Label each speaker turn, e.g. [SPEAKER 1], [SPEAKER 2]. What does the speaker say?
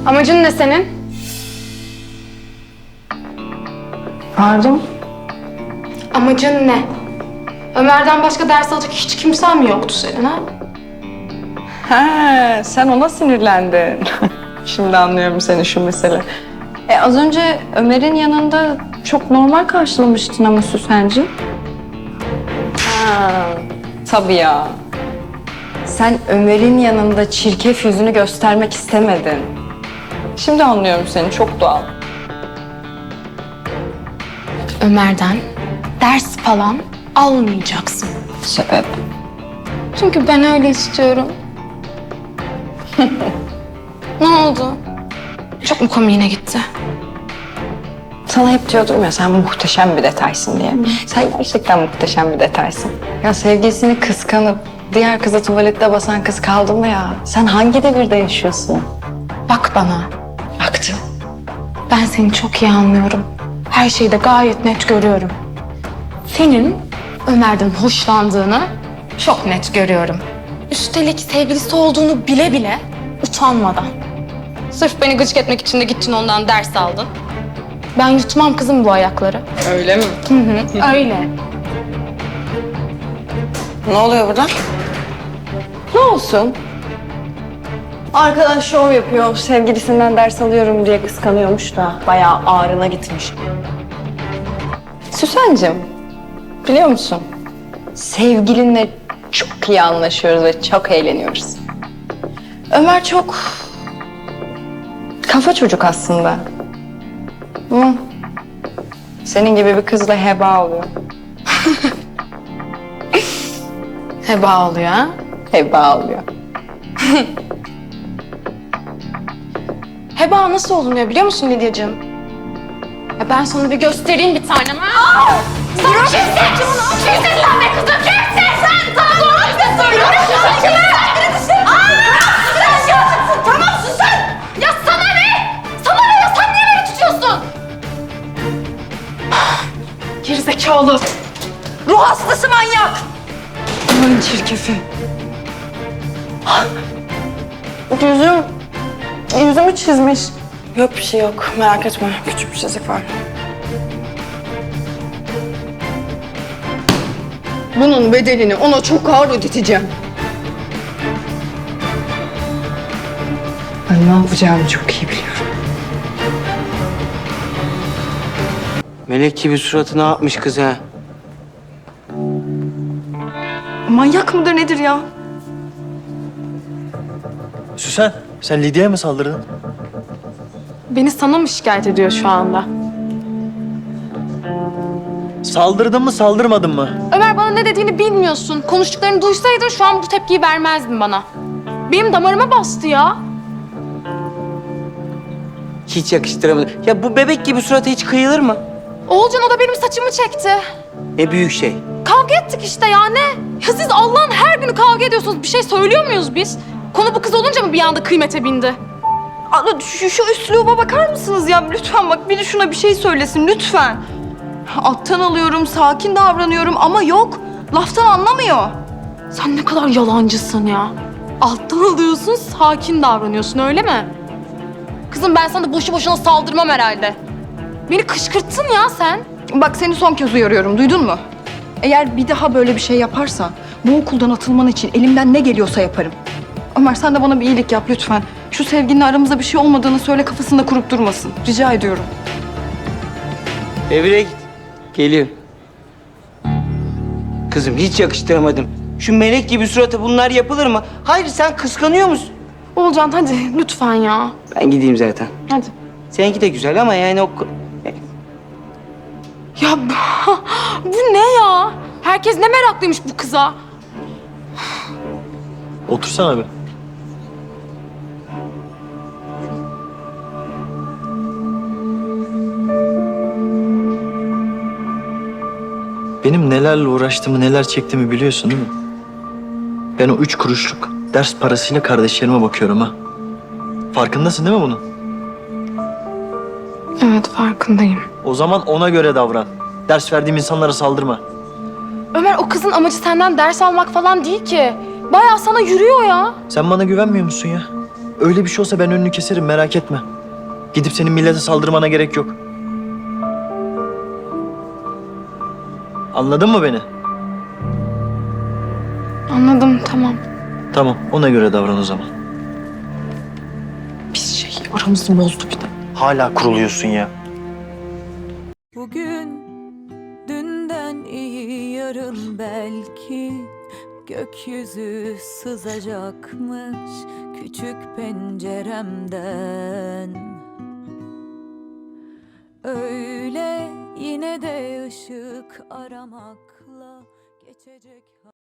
[SPEAKER 1] Amacın ne senin?
[SPEAKER 2] Pardon?
[SPEAKER 1] Amacın ne? Ömer'den başka ders alacak hiç kimsen mi yoktu senin ha?
[SPEAKER 2] Ha, sen ona sinirlendin. Şimdi anlıyorum seni şu mesele. Az önce Ömer'in yanında çok normal karşılamıştın ama Süsen'cim. Ha, tabii ya. Sen Ömer'in yanında çirkef yüzünü göstermek istemedin. Şimdi anlıyorum seni, çok doğal.
[SPEAKER 1] Ömer'den ders falan almayacaksın.
[SPEAKER 2] Sebep?
[SPEAKER 1] Çünkü ben öyle istiyorum. Ne oldu? Çok mu komiğine gitti?
[SPEAKER 2] Sana hep diyordum ya sen muhteşem bir detaysın diye. Sen gerçekten muhteşem bir detaysın. Ya sevgilisini kıskanıp diğer kıza tuvalette basan kız kaldı mı ya? Sen hangi devirde yaşıyorsun?
[SPEAKER 1] Bak bana.
[SPEAKER 2] Baktım.
[SPEAKER 1] Ben seni çok iyi anlıyorum. Her şeyi de gayet net görüyorum. Senin Ömer'den hoşlandığını çok net görüyorum. Üstelik sevgilisi olduğunu bile bile utanmadan. Sırf beni gıcık etmek için de gittin ondan ders aldın. Ben yutmam kızım bu ayakları.
[SPEAKER 2] Öyle mi?
[SPEAKER 1] Öyle.
[SPEAKER 2] Ne oluyor burada? Ne olsun? Arkadaş şov yapıyor. Sevgilisinden ders alıyorum diye kıskanıyormuş da bayağı ağrına gitmiş. Süsen'cim, biliyor musun? Sevgilinle çok iyi anlaşıyoruz ve çok eğleniyoruz. Ömer çok kafa çocuk aslında. Ama senin gibi bir kızla heba oluyor.
[SPEAKER 1] Heba oluyor ha?
[SPEAKER 2] Heba oluyor.
[SPEAKER 1] Heba nasıl olunuyor biliyor musun Lidyacığım? Ya ben sana bir göstereyim bir tanem ha. Sen kimsin? Kimsin lan be kızım? Kimsin sen? Sana doğru işte söylüyorum. Tamam sus sen. Ya sana ne? Sana ne ya? Sen niye beni tutuyorsun? Gerizekalı.
[SPEAKER 2] Ruh hastası manyak! Aman çirkefi. Yüzümü çizmiş. Yok bir şey yok. Merak etme. Küçük bir çizik var. Bunun bedelini ona çok ağır ödeteceğim. Ben ne yapacağımı çok iyi biliyorum.
[SPEAKER 3] Melek gibi suratı ne yapmış kız ha?
[SPEAKER 2] Manyak mıdır nedir ya?
[SPEAKER 4] Süsen, sen Lidya'ya mı saldırdın?
[SPEAKER 1] Beni sana mı şikayet ediyor şu anda?
[SPEAKER 4] Saldırdın mı, saldırmadın mı?
[SPEAKER 1] Ömer bana ne dediğini bilmiyorsun. Konuştuklarını duysaydın şu an bu tepkiyi vermezdin bana. Benim damarıma bastı ya.
[SPEAKER 3] Hiç yakıştıramadım. Ya bu bebek gibi suratı hiç kıyılır mı?
[SPEAKER 1] Oğulcan o da benim saçımı çekti.
[SPEAKER 3] Ne büyük şey.
[SPEAKER 1] Kavga ettik işte ya ne? Ya siz Allah'ın her günü kavga ediyorsunuz. Bir şey söylüyor muyuz biz? Konu bu kız olunca mı bir anda kıymete bindi?
[SPEAKER 2] Şu üsluba bakar mısınız ya? Lütfen bak biri şuna bir şey söylesin lütfen. Alttan alıyorum, sakin davranıyorum ama yok. Laftan anlamıyor.
[SPEAKER 1] Sen ne kadar yalancısın ya. Alttan alıyorsun, sakin davranıyorsun öyle mi? Kızım ben sana boşu boşuna saldırmam herhalde. Beni kışkırttın ya sen.
[SPEAKER 2] Bak seni son kez uyarıyorum, duydun mu? Eğer bir daha böyle bir şey yaparsan bu okuldan atılman için elimden ne geliyorsa yaparım. Ömer sen de bana bir iyilik yap lütfen. Şu sevginin aramızda bir şey olmadığını söyle kafasında kurup durmasın. Rica ediyorum.
[SPEAKER 3] Evine git. Geliyor. Kızım hiç yakıştıramadım. Şu melek gibi suratı bunlar yapılır mı? Hayır sen kıskanıyor musun?
[SPEAKER 1] Oğulcan hadi lütfen ya.
[SPEAKER 3] Ben gideyim zaten.
[SPEAKER 1] Hadi.
[SPEAKER 3] Seninki de güzel ama yani o...
[SPEAKER 1] Ya bu ne ya? Herkes ne meraklıymış bu kıza.
[SPEAKER 4] Otursana bir. Benim nelerle uğraştığımı, neler çektiğimi biliyorsun değil mi? Ben o 3 kuruşluk ders parasıyla kardeşlerime bakıyorum ha. Farkındasın değil mi bunun?
[SPEAKER 1] Evet farkındayım.
[SPEAKER 4] O zaman ona göre davran. Ders verdiğim insanlara saldırma.
[SPEAKER 1] Ömer o kızın amacı senden ders almak falan değil ki. Bayağı sana yürüyor ya.
[SPEAKER 4] Sen bana güvenmiyor musun ya? Öyle bir şey olsa ben önünü keserim, merak etme. Gidip senin millete saldırmana gerek yok. Anladın mı beni?
[SPEAKER 1] Anladım, tamam.
[SPEAKER 4] Tamam, ona göre davran o zaman.
[SPEAKER 2] Pis şey aramızı bozdu bir de.
[SPEAKER 4] Hala kuruluyorsun ya.
[SPEAKER 5] Bugün dünden iyi yarın belki gökyüzü sızacakmış küçük penceremden. Öyle yine de ışık aramakla geçecek.